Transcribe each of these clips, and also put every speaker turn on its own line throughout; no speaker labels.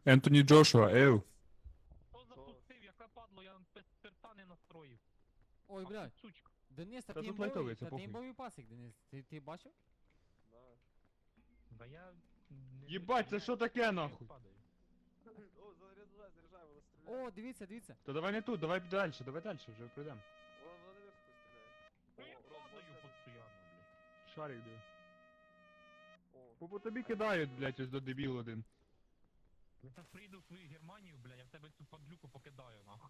Ентоні Джошуа, ев.
Хто запустив, яка падло, я перта не настроїв.
Ой,
Ах,
блядь.
ти сучка.
Денис, та
Та
ти
тут лайтовий, це
імбовий, та ти
похуй.
імбовий пасик, Денис. Ти бачив?
Да.
Да я... не
Єбать,
витягну,
це
я
що таке,
як
нахуй?
падаю.
О, заряджай, воно стріляє.
О, дивіться.
Та давай не тут, давай далі, вже прийдем.
Воно наверху стріляє.
Ну я
Ром,
падаю
можна-
постійно, блядь.
Шарик диви.
О,
По тобі кидають, блядь, ось до дебіл один.
Я зараз приїду в свою Германію, бля, я в тебе цю падлюку покидаю, нахуй.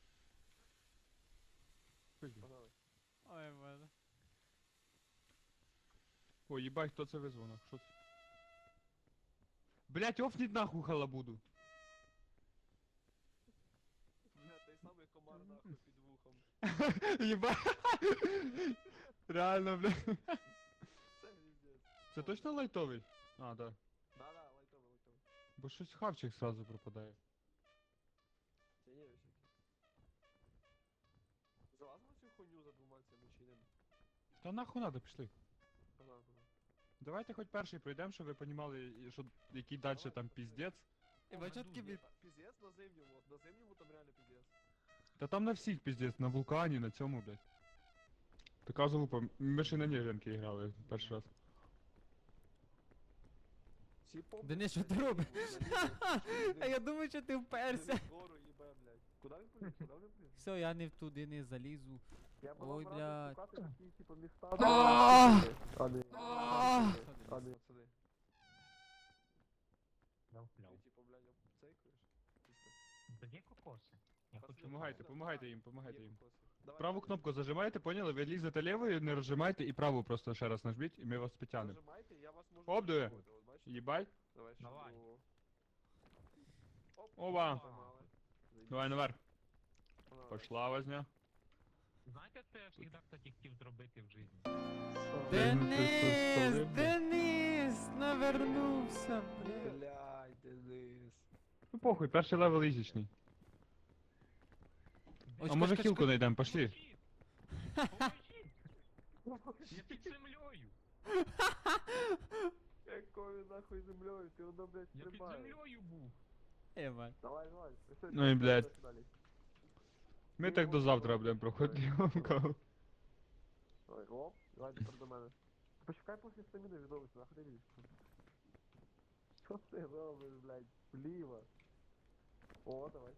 погнали.
Ой, боже.
О, їбать, хто це визвав, нахуй, що це? Блядь, офніть нахуй халабуду.
Бля, той самий комар нахуй під вухом.
Єбать. Реально, блядь.
Це пиздец.
Це точно лайтовий? А, да.
Да, лайтовий.
Бо щось хавчик сразу пропадає.
Це є ось. Залазимо цю хуйню за двома цими чи не?
Та нахуй надо, пішли.
Погнали.
Давайте хоч перший пройдемо, щоб ви понімали, що який далі там піздець.
І бачотки від...
Пиздец на зимньому, на зимньому там реально пиздец.
Та там на всіх піздець, на вулкані, на цьому, блядь. Така залупа, ми ще на Ніженки грали перший раз.
Всі помнять,
Денис, що ти
що
робиш?
залізли,
А я думаю, що ти вперся.
Вгору їбе, блядь. Куди він поліз? Куди він поліз?
Все, я не туди не залізу.
Я
Ой,
була
блядь.
шукати такі, типу, міста.
А!
А не.
А!
А не, пацани.
Ляв-ляв.
Ти, типу, блядь, обцейкуєш? Чисто.
Та є кокоси. Я хочу...
Помагайте їм, помагайте
Є
їм.
кокоси. Давай,
Праву
давай.
кнопку зажимаєте, поняли? Ви лізете лівою, не розжимайте, і праву просто ще раз нажміть, і ми вас підтягнемо.
Нажимайте, я вас можу...
Оп, диви.
зачепити, от бачите?
Їбать.
Давай, ще
Давай.
другого. Оп,
Ова.
поймали.
Давай наверх.
Погнали.
Пошла возня.
Знаєте, що я завжди, кстати, хотів зробити в житті?
Денис, навернувся, блядь.
Блядь, Денис.
Ну похуй, перший левел ізічний.
Ой,
А може
чекай,
хілку
чекай.
знайдемо, пошли.
Поможіть! Я під землею!
Якою нахуй землею, ти воно, блядь,
Я під
стрибаєш.
землею був!
Ебать.
Давай, давай. Все,
Ну і, блядь.
дальше, далі.
Ми так до завтра будемо проходити.
Давай, оп, давай тепер до мене. Почекай поки стаміни відновиться, нахуй ти лізь. Що ти робиш, блядь? Вліво. О, давай.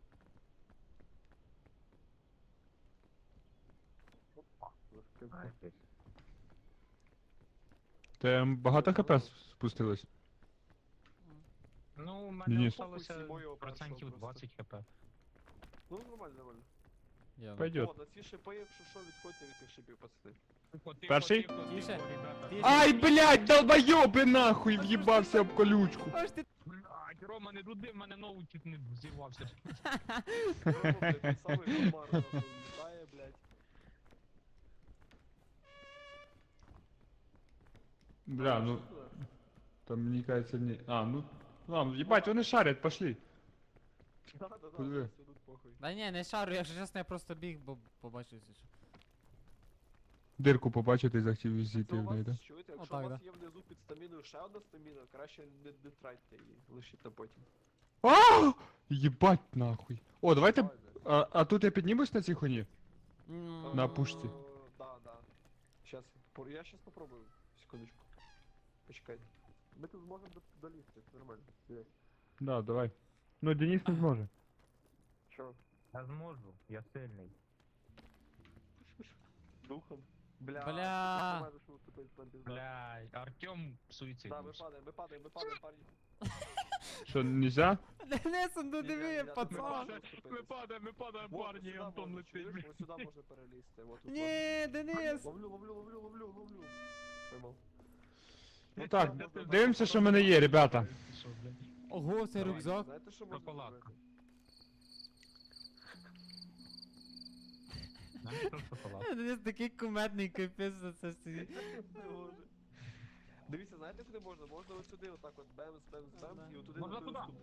Опа, розкажи.
Те багато хп спустилось?
Ну, у мене
Денис.
залишилося
Сімою
процентів
першого
20 хп.
Ну, нормально, нормально.
Я
Пойдет.
О, на ці шипи, якщо що, відходьте від цих шипів, пацани.
Перший?
Тише.
ребята.
Тише.
Ай, блядь, долбойоби нахуй, в'їбався об колючку.
Аж ти...
Блядь, Рома, не дуди, в мене ноут чуть не взірвався.
Рома, блядь, той самий комар, нахуй, літає, блядь.
Бля, ну, там мені кажется, не... А, ну, ладно, ебать, вони шарять, пошли.
Да-да-да,
Подиви.
все тут похуй.
Да ні, не шарю, якщо чесно, я просто біг, бо побачив це.
Дирку побачити і захотів
Це
зійти
у
в неї, да?
вас, чуєте, якщо
Отак,
у вас
да.
є внизу під стаміною ще одна стаміна, краще не тратьте її, лишіть на потім.
А! Єбать нахуй. О, давайте,
Давай, да.
а тут я піднімусь на цій хуйні?
М,
На пушці.
Да, да. Сейчас, я сейчас попробую, секундочку. Почекайте. Ми тут зможемо долізти, нормально. Є.
Да, давай. Ну, Денис не зможе.
Чо?
Я зможу, я сильний.
Духом. Бля.
Бля.
ти знаєш, що тут тепер пизда.
Блядь, Артем суїцид.
Да, ми падаємо, парні.
Що, нельзя?
Денис, ну
Ні,
диви,
ні,
пацан.
Ми падаємо,
Вот,
парні,
сюди
Антон
можна,
летить.
чуєш? Ось сюди можна перелізти. Вот тут.
Ні, Денис.
Ловлю. Поймав.
Ну так, дивимося, що в мене є, ребята.
Що, блядь?
Ого, це
Давай.
рюкзак.
Знаєте, що можна
Шоколадка.
зробити?
Знаєш, що шоколад?
Денис такий кумедний, капець за це стоїть.
Не може. Дивіться, знаєте, куди можна? Можна ось сюди, отак от бемс, і отуди
Можна
на
туди?
ступ.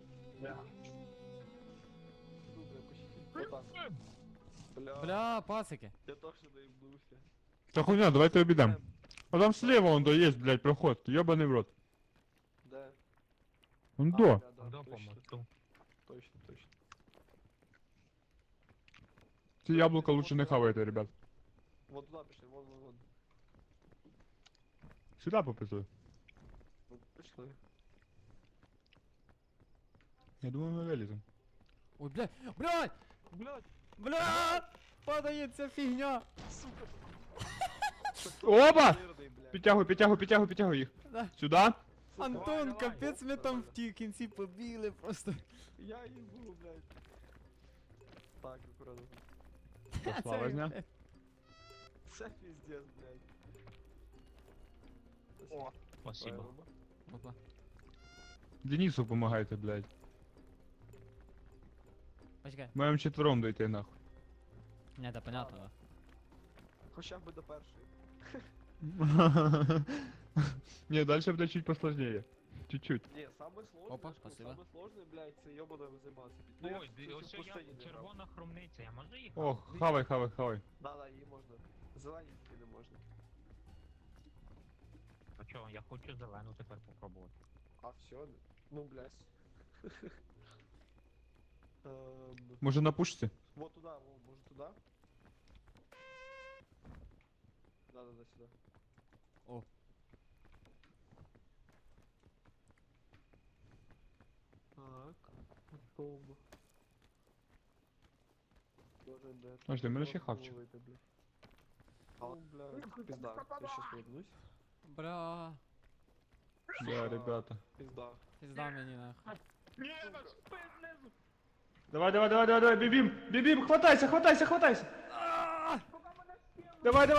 Супер, почти. Отак. Бля.
Бля, пацики.
Я точно доїбнувся.
Та хуйня, давайте обійдемо. А там слева он до є, блядь, проход. Йобаний в рот.
Де?
Он
А,
до.
бля, да,
До
точно.
помосту.
Точно, точно.
Ці яблука лучше не хавайте, ребят.
Вот туда пішли, вон.
Сюди пописую.
Вот пішли.
Я думаю, ми виліземо.
Ой, блядь, блядь,
Блядь,
блядь, падає ця фігня.
Опа!
жирний, блядь.
Підтягуй їх.
Да.
Сюди.
Сука,
Антон,
давай,
капець, ми там
нормально.
в тій кінці побігли просто.
Я їбу, блядь. Так, аккуратно.
Пошла
Це,
возня.
блядь.
Це пиздец, блядь.
О, спасибо.
Опа.
Денису помагайте, блядь.
Почекай.
Маємо четвером дойти нахуй.
Не, да понятно, да.
Хоча б до першої.
Не, дальше буде чуть посложнее. Чуть-чуть.
Ні, саме сложне,
Опа,
я ж кажу,
спасибо.
саме сложне, блядь, це йобано займатися.
Ой, ось
в
я
пустині не грав.
червона хромниця, я можу їх?
О, хавай.
Да, її можна. Зелені тільки не можна.
А чого, я хочу зелену тепер попробувати.
А все, ну, блядь.
Може на пушці?
Вот туда, может туда? Да, сюда.
О.
Так, готово. Тоже, да.
Подожди, у мене ще хавчик.
Ну, бля, пизда, я сейчас вернусь.
Бля,
Да, ребята.
Пизда.
пізда мені нахуй.
Ні, наш спин знизу!
Давай, бибим, хватайся. Давай.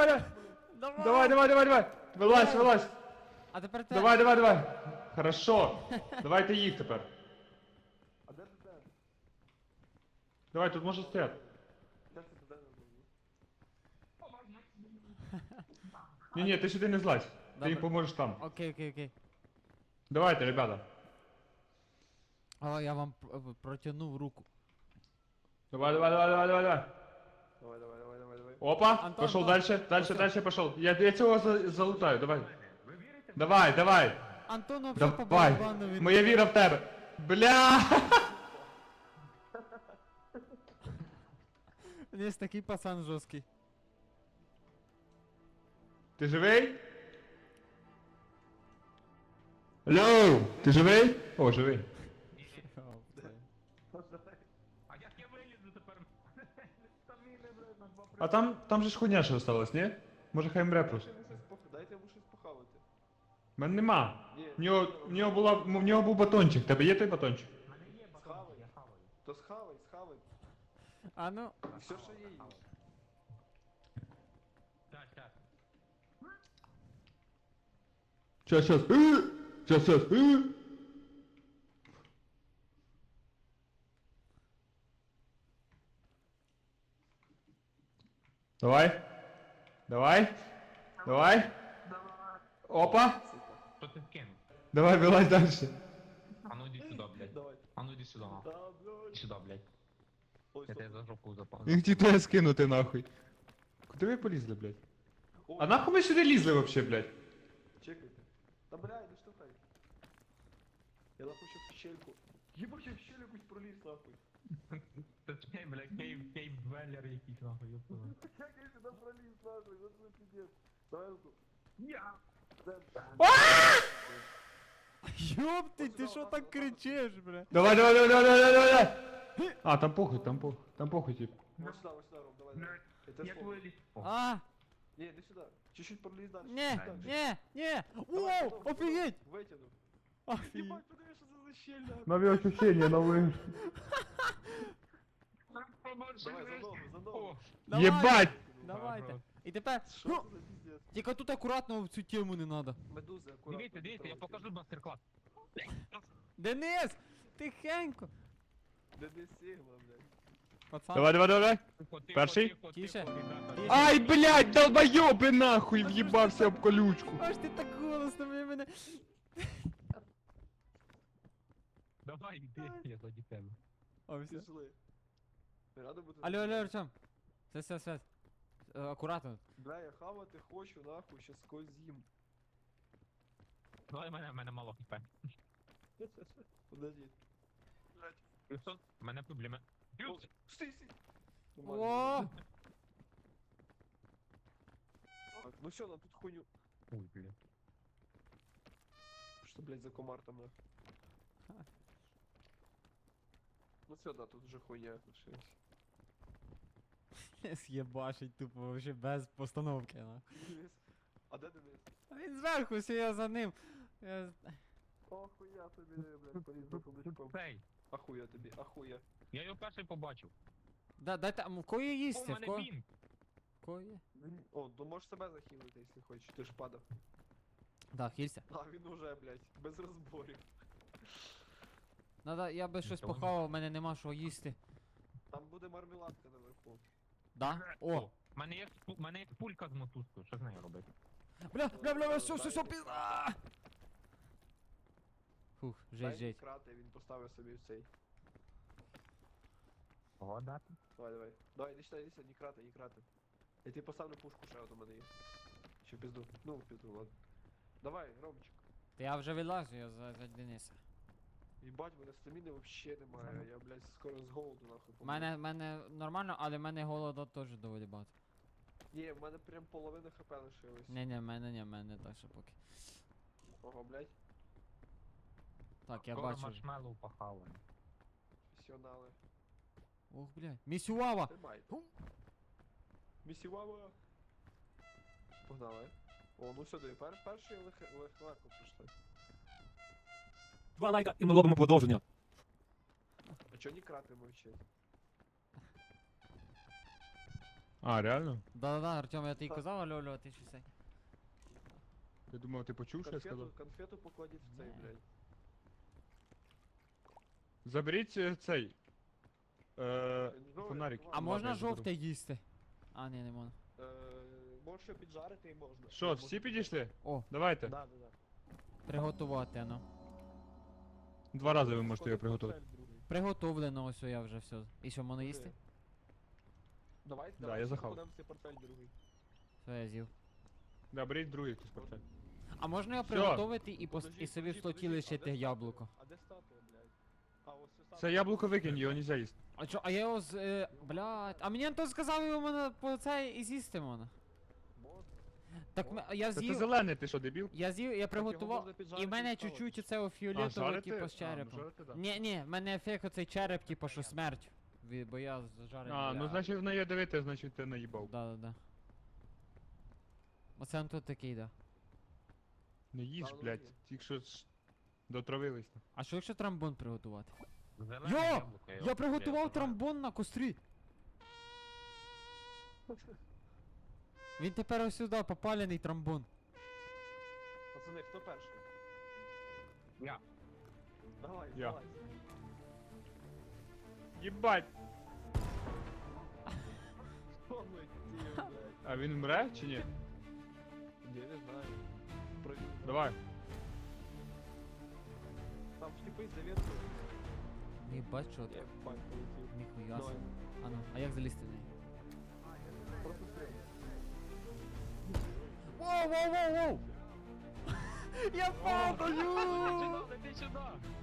Вилазь.
А тепер ти.
Давай. Хорошо. Давайте їх тепер.
А де ти?
Давай, тут може стояти.
Де ти туди не
Ні, ти сюди не злазь. Ти
Добре.
їм поможеш там.
Окей.
Давайте, ребята.
О, я вам протягнув руку.
Давай.
Давай.
Опа,
Антон,
пошел
Антон.
дальше пошел. Я цього залутаю, давай. Давай.
Антон вообще по
Давай.
барабану від...
Моя віра в тебе. Бля!
Є такий пацан жорсткий.
Ти живий? Алло! Ти живий? О, живий.
А як я вилізу тепер? Стаміни, блядь, на 2
А там же ж хуйня ще осталась, ні? Може хай мре просто.
Дайте йому щось похавати.
В мене нема.
Ні,
В нього був батончик. Тебе є той батончик?
У мене є
Схавай.
батон, я хаваю.
То схавай.
А ну,
Все, що є.
Так.
Сейчас. Давай. Опа.
Що ти вкинув?
Давай, вилазь дальше.
А ну іди сюди, блядь.
Давай.
А ну іди сюди, нахуй.
Да, блядь.
Іди сюди, блядь.
Ой,
Я
стоп.
тебе за жопу запав.
Він хотів тебе скинути нахуй. Куди ви полізли, блядь?
Ой,
А нахуй ми сюди лізли вообще, блядь?
Чекайте. Да, блядь, да штукай. Я нахуй сейчас в щельку. Ебать, я в щель якусь проліз, нахуй.
Це чей, блядь, кейв-двеллер якийсь, нахуй, ёпта.
Як я сюди проліз, нахуй, вот це пиздец. Давай руку.
Я!
ёпти, ти що так кричиш, бля?
Давай. А, там похуй, тип.
Вот сюда, Ром, давай. Это
Як
слово.
виліз? О,
А,
Не, иди сюда. Чуть-чуть пролез дальше.
не,
Дальше.
не.
Давай,
Воу,
потом,
офігеть.
Вытянул.
Офігеть.
Ебать, подивись, що це за щель, нахуй.
Нові ощущения, нові.
Давай, за ногу.
О,
Давай,
Єбать!
Давайте. І тепер,
Що
ну,
це за пиздец?
тільки тут акуратно в цю тему не надо.
Медузи, аккуратно.
Дивіться, я покажу мастер-клас.
Денис, тихенько.
Да не Сигма, блядь.
Пацан.
Давай.
Тихо,
Перший?
Тише.
ребята.
Тише.
Ай, блядь, долбойоби нахуй, в'їбався об колючку.
Аж ти так голосно ви мене.
Давай, йди, я заді тебе.
О, все.
Пішли. Рада бути.
Алло, Артем. Все. Акуратно.
Бля, я хавати хочу, нахуй, щас когось з'їм.
Давай мене мало хп.
Подожди. Блядь.
Плюс, у мене проблеми.
О, стій.
О!
Так, ну все, нам тут хуйню.
Ой, блін.
Что, блядь, за комар там нахуй? Ну все, да, тут уже хуйня лишилась.
З'єбашить тупо, вообще без постановки, на.
Денис? А де Денис?
А він зверху, все я за ним. Я...
О, хуя тобі, блядь, поліз за сундучком.
Цей,
Ахуя тобі, ахуя.
я його перший побачив.
Да, дайте, а в кої
О,
їсти?
у
В
мене
кого?
бінг.
Кої?
О, ну можеш себе захилити, якщо хочеш, ти ж падав.
Да, хілься.
А він уже, блядь, без розборів.
Надо, я би щось
Та воно-
похавав, в мене нема що їсти.
Там буде мармеладка наверху.
Да? О!
У мене є, у мене є пулька з мотузкою, що з нею робити?
Бля, все, пізда! Фух,
Дай
жесть.
крати, він поставив собі цей.
Ого, дати.
Давай. Давай, іди сюди, не крати. Я тобі поставлю пушку, ще от у мене є. Ще пізду. Ну, пізду, ладно. Давай, Ромчик.
Та я вже вилазю, я за Дениса.
Їбать, мене стаміни вообще немає. Я, блядь, скоро з голоду нахуй помру.
Мене нормально, але в мене голода теж доволі багато.
Ні, в мене прям половина хп лишилось.
Ні, в мене так ще поки.
Ого, блядь,
Так, я
Скоро
бачу.
маршмеллоу похаваємо.
професіонали.
Ох, блядь. Місюава!
Тримай.
Ху.
Місівава. Погнали. О, ну сюди, перший легко прийшли.
2 лайка і ми робимо продовження.
А чого не крати мовчить?
А, реально?
Да-да-да, Артем, я тобі казав, алло, а ти що це?
Я думав, ти почув, що я сказав?
Конфету покладіть в цей,
Ні.
блядь.
Заберіть цей.
Ну,
Фонарик.
А
ладно.
можна
я заберу.
жовте їсти? А, ні, не можна.
Можеш його піджарити і можна.
Що, всі підійшли?
О,
Давайте.
Да.
приготувати, ну.
2 рази ви можете його приготувати.
Приготовлено, ось я вже все. І що, можна їсти?
Давай,
Да, я захав.
покладемо цей портфель другий.
Все, я з'їв.
Да, беріть другий хтось портфель.
А можна його
Всьо.
приготувати і,
Подожди,
і собі в
подожди,
слоті
подожди,
лишити
а де статуя?
яблуко?
А де статуя, блядь? А, ось ця статуя.
Це яблуко викинь, його нельзя їсти.
А чо, а я його з... блядь, а мені Антон сказав, його мене по цей і з'їсти можна.
Можна.
Так я
Це ти
з'їв,
зелений, ти що, дебіл?
я приготував,
можна піджарити
і в мене
і ставити.
чуть-чуть оцього
А,
фіолетового,
жарити?
типу, з
А, ну,
черепом.
жарити, да.
Ні, в мене ефект оцей череп, типу, що смерть. Бо я зажарений.
А, ну значить в неї дивити, значить ти наїбав.
Да. Оце Антон такий, да.
Не їж,
Та, ну,
блядь,
ні.
тільки що дотравились.
А що якщо тромбон приготувати?
Зелене
Йо!
яблуко,
Я приготував
знаю.
тромбон на кострі. Він тепер ось сюди попалений тромбон.
Пацани, хто перший?
Я.
Давай,
Я.
давай.
Єбать!
Що ми ті, блядь?
А він мре чи ні?
Ні, не знаю. Провіримо.
Давай.
Там типи за веткою.
Єбать, що
Я
так.
бать полетів.
Ніхуя
Давай.
собі. А ну, а як залізти в неї?
Просто стрій.
Воу! Я падаю!
Іди сюди!